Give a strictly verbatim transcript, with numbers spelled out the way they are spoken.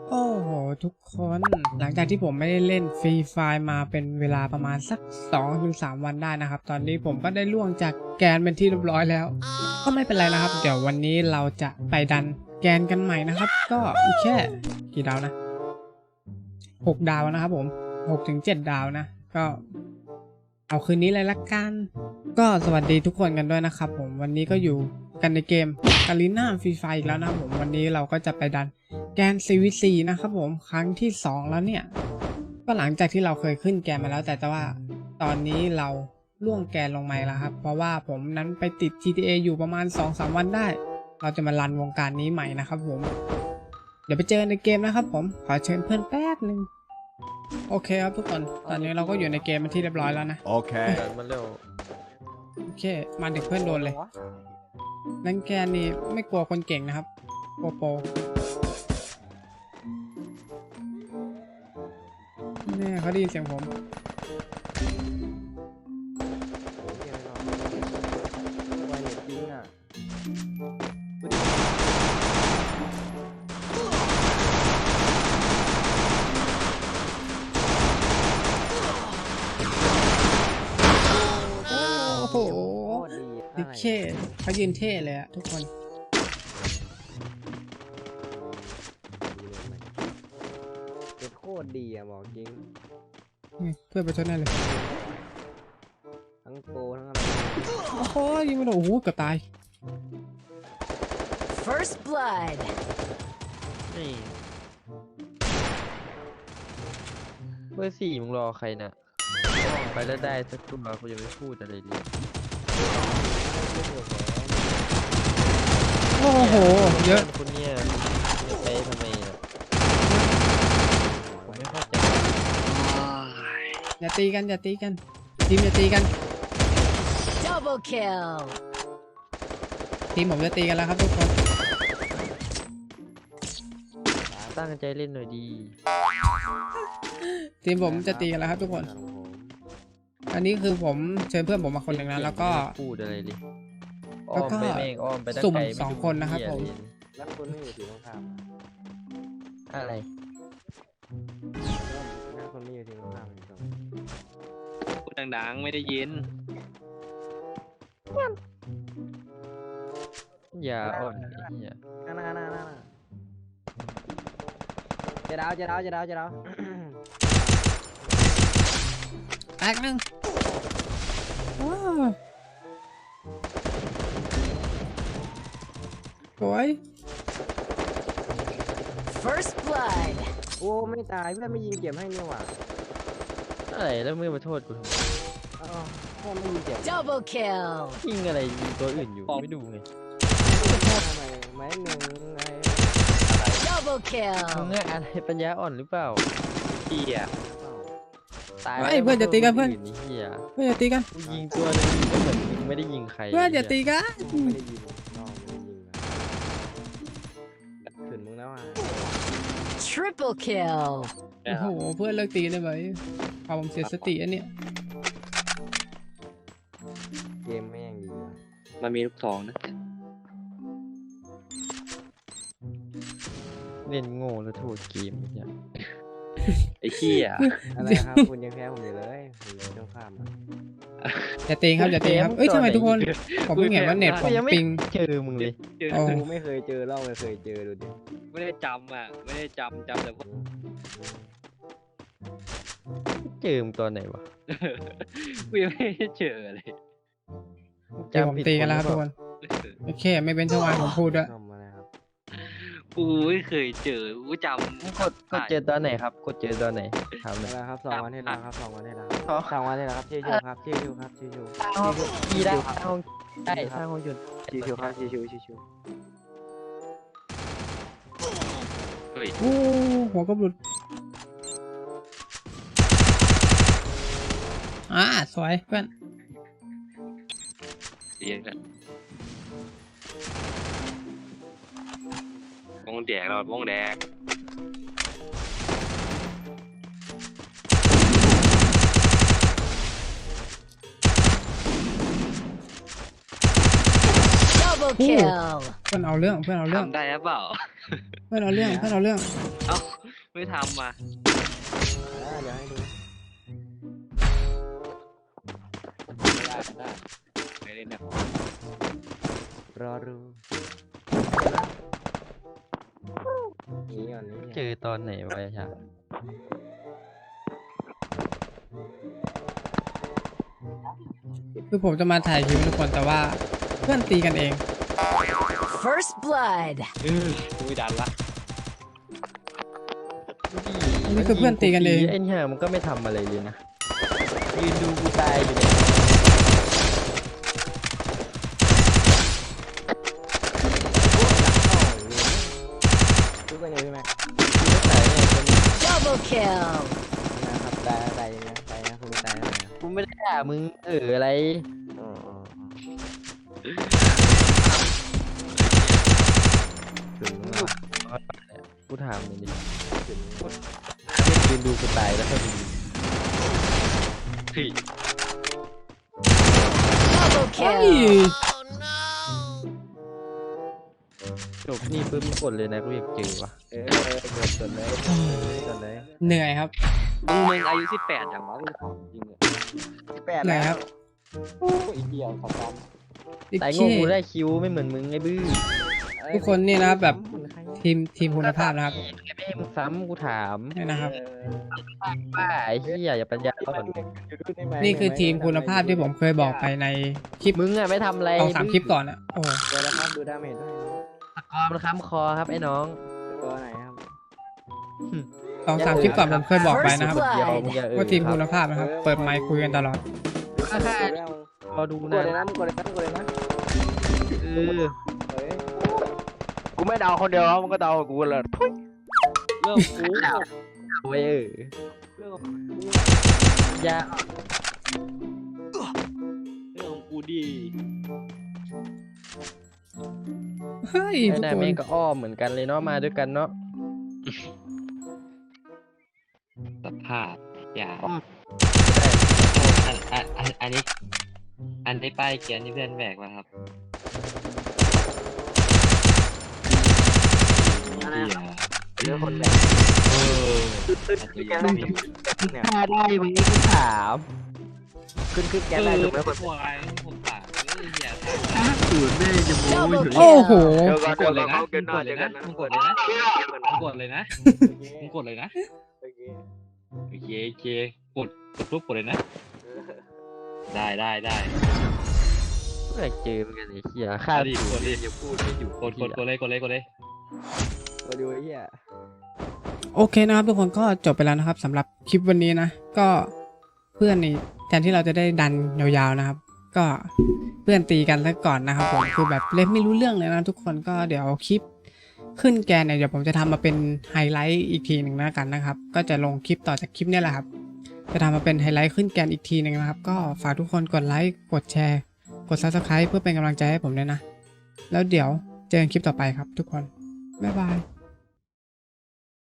โอ้โหทุกคนหลังจากที่ผมไม่ได้เล่นฟรีไฟล์มาเป็นเวลาประมาณสัก สองถึงสาม วันได้นะครับตอนนี้ผมก็ได้ล่วงจากแกนเป็นที่เรียบร้อยแล้วก็ไม่เป็นไรนะครับเดี๋ยววันนี้เราจะไปดันแกนกันใหม่นะครับก็อีกแค่กี่ดาวนะหกดาวนะครับผม หกถึงเจ็ด ดาวนะก็เอาคืนนี้เลยละกันก็สวัสดีทุกคนกันด้วยนะครับผมวันนี้ก็อยู่กันในเกมกาลิน่าฟรีไฟอีกแล้วนะครับผมวันนี้เราก็จะไปดันแกน ซี วี ซี นะครับผมครั้งที่สองแล้วเนี่ยก็หลังจากที่เราเคยขึ้นแกนมาแล้วแต่ว่าตอนนี้เราล่วงแกนลงมาแล้วครับเพราะว่าผมนั้นไปติด จี ที เอ อยู่ประมาณ สองสาม วันได้เราจะมารันวงการนี้ใหม่นะครับผมเดี๋ยวไปเจอในเกมนะครับผมขอเชิญเพื่อนแป๊บนึงโอเคครับทุกคนตอนนี้เราก็อยู่ในเกมเป็นที่เรียบร้อยแล้วนะโอเคมันเร็วโอเคมาดึกเพื่อนโดนเลยนั่นแกนี่ไม่กลัวคนเก่งนะครับโปโปเนี่ยเขาได้ยินเสียงผมโอ้โหดิเคเขายืนเท่เลยอะทุกคนโคตรดีอะบอกจริงเพื่อนไปชนแน่เลยทั้งโปรทั้งอะไรโอ้โหยิงไม่โดนโอ้โหเกือบตาย First blood นี่เบอร์สี่มึงรอใครน่ะไปแล้วได้สักตัวกูยังไม่พูดอะไรเลยโอ้โหเยอะคุณเนี่ยไปทำไมอ่ะผมไม่เข้าใจอย่าตีกันอย่าตีกันทีมอย่าตีกัน Double kill ทีมผมจะตีกันแล้วครับทุกคนตั้งใจเล่นหน่อยดีทีมผมจะตีกันแล้วครับทุกคนอันนี้คือผมเชิญเพื่อนผมมาคนหนึ่งนะแล้วก็พูดอะไรดิแล้วก็สุ่มสองคนนะครับผมแล้วคนไม่อยู่ที่ตรงข้ามอะไรแล้วคนไม่อยู่ที่ตรงข้ามพูดดังๆไม่ได้ยินอย่าอ่อนอย่าน่าน่าน่าน่าเจดาวเจดาวเจดาวเจดาวแตกหนึ่งสวย First blood โอ้ไม่ตายเพื่อนไม่ยิงเก็บให้นี่หว่าอะไรแล้วมึงมาโทษกูทำไมพ่อไม่ยิงเก็บ Double kill ยิงอะไรยิงตัวอื่นอยู่ไม่ดูไงทำไมไม้หนึ่งไง Double kill มึงอะไรปัญญาอ่อนหรือเปล่าเหี้ยตายเพื่อนจะตีกันเพื่อนเหี้ยเพื่อนจะตีกันยิงตัวนึงก็เหมือนมึงไม่ได้ยิงใครเพื่อนจะตีกันไม่ได้ยิงน้องไม่ได้ยิงขืนมึงแล้วอ่ะ Triple kill โอ้โหเพื่อนเลิกตีได้ไหมพอผมเสียสติอันเนี้ยเกมไม่ยังดีมันมีลูกสองนะเล่นโง่แล้วโทษเกมอย่างไอ้ขี้อ่ะอะไรครับคุณยังแพ้ผมอยู่เลยผมเจ้าข้ามอย่าตีครับอย่าตีครับเอ้ยทำไมทุกคนผมเพิ่งเห็นว่าเน็ตผมปิงเจอมึงเลยกูไม่เคยเจอเล่าไม่เคยเจอดูดิไม่ได้จำอ่ะไม่ได้จำจำแต่ว่าเจอมึงตอนไหนวะกูยังไม่ได้เจอเลยเจอผมตีกันแล้วครับทุกคนโอเคไม่เป็นช่วงวันผมพูดด้วยกูไม่เคยเจอกูจำกดกดเจอตอนไหนครับกดเจอตอนไหนทำอะไรครับสองวันที่แล้วครับสองวันที่แล้วสองวันที่แล้วครับชิวๆครับชิวๆครับชิวๆยีได้ห้องได้ทางห้องหยุดชิวๆครับชิวๆชิวๆเฮ้ยโอ้หัวกระบุดอ่าสวยเพื่อนเรียนกันวงแดกเราวงแดก Double kill เพื่อนเอาเรื่องเพื่อนเอาเรื่องทำได้หรือเปล่าเพื่อนเอาเรื่องเพื่อนเอาเรื่องเอ้าไม่ทำอ่ะอ่าเดี๋ยวให้ดูได้ได้ไม่เล่นนะรอดูนี่ก่อนนี้เจอตอนไหนวะไอ้ชาคือผมจะมาถ่ายคลิปทุกคนแต่ว่าเพื่อนตีกันเอง First blood. เออกูไม่ดันละอันนี้คือเพื่อนตีกันเองไอ้เนี่ยมันก็ไม่ทำอะไรเลยนะยืนดูกูตายอยู่เนี่ยดูไปเลยพี่แม็กกูไม่ตายเนี่ยคน Double kill. นะครับตายตายนะตายนะคุณตายนะกูไม่ได้ด่ามึงเอออะไรอ๋ออ๋อถึงแล้วกูถามมึงดิถึงยืนดูกูตายแล้วก็ดูเฮ้ย Double เฮ้ย kill. จบนี่ปุ๊บมึงกดเลยนะกูอยากเจอวะเออเออเกิดกดเลยกดเลยเหนื่อยครับมึงมึงอายุสิบแปดอย่างวะกูถามจริงเลยสิบแปดเหนื่แล้อยครัวบโอ้ยเดียวสองวันตายโง่กูได้คิวไม่เหมือนมึงไอ้บื้อทุกคนนี่นะครับแบบทีมทีมคุณภาพนะครับไม่ให้มึงซ้ำกูถามนี่นะครับป้าไอ้เหี้ยอย่าปัญญาอ่อนนี่คือทีมคุณภาพที่ผมเคยบอกไปในคลิปมึงอะไม่ทำอะไรสองสามคลิปก่อนอะโอ้เดี๋ยวนะครับดูดาเมจด้วยตะกอมันค้ำคอครับไอ้น้องตัวไหนครับสองสามคลิปก่อนผมเคยบอกไปนะครับ First เดี๋ยว blood มึงอย่าเออว่าทีมคุณภาพนะครับ เปิดไมค์คุยกันตลอดรอดูกนะดเลยนะมึงกดเลยนะมึงกดเลยนะเออเฮ้ยกูไม่เดาคนเดียวมึงก็เดากูเลยเรื่องกูโอ้ยเออเรื่องอย่าเรื่องของกูดีเฮ้ยไอ้ทุกนายคนแม่งก็อ้อมเหมือนกันเลยเนาะมาด้วยกันเนาะสภาพอย่าอ้อมอันอันอันอันนี้ อันที่ป้ายเขียนที่เพื่อนแบกมาครับเรื่องคนแบกเออฆ่าได้มึงนี่กูถามขึ้นขึ้นแกนได้ถูกไหมคนวายผมปากเฮ้ยอย่าสูตรแม่จะโม้ Double โอ้โห kill. เดี๋ยวก่อนกเดี๋ยดวเลก่อย นนะเขาเกิมึนงหกน้าดเจเลอย กันนะนะมึงกดเลยนะมึงกดเลยนะมึงกดเลยนะโอเคโอเคโอเคกดกดปุ๊บกดเลยนะ ได้ได้ได้อยากเจอเหมือนกันไอ้เหี้ยฆ่าเอาดิสูกตดรดิอย่าพูดไม่อยู่กดกดกดเลยกดเลยกดเลยมาดูไอ้เหี้ยโอเคนะครับทุกคนก็จบไปแล้วนะครับสำหรับคลิปวันนี้นะ ก็เพื่อนนี่แทนที่เราจะได้ดันยาวๆนะครับ ก็เพื่อนตีกันซะก่อนนะครับผมคือแบบเล่นไม่รู้เรื่องเลยนะทุกคนก็เดี๋ยวคลิปขึ้นแกนเนี่ยเดี๋ยวผมจะทำมาเป็นไฮไลท์อีกทีหนึ่งนะกันนะครับ ก็จะลงคลิปต่อจากคลิปนี้แหละครับ จะทำมาเป็นไฮไลท์ขึ้นแกนอีกทีหนึ่งนะครับ ก็ฝากทุกคนกดไลค์กดแชร์กด ซับสไครบ์ เพื่อเป็นกำลังใจให้ผมด้วยนะ แล้วเดี๋ยวเจอกันคลิปต่อไปครับทุกคนบ๊ายบาย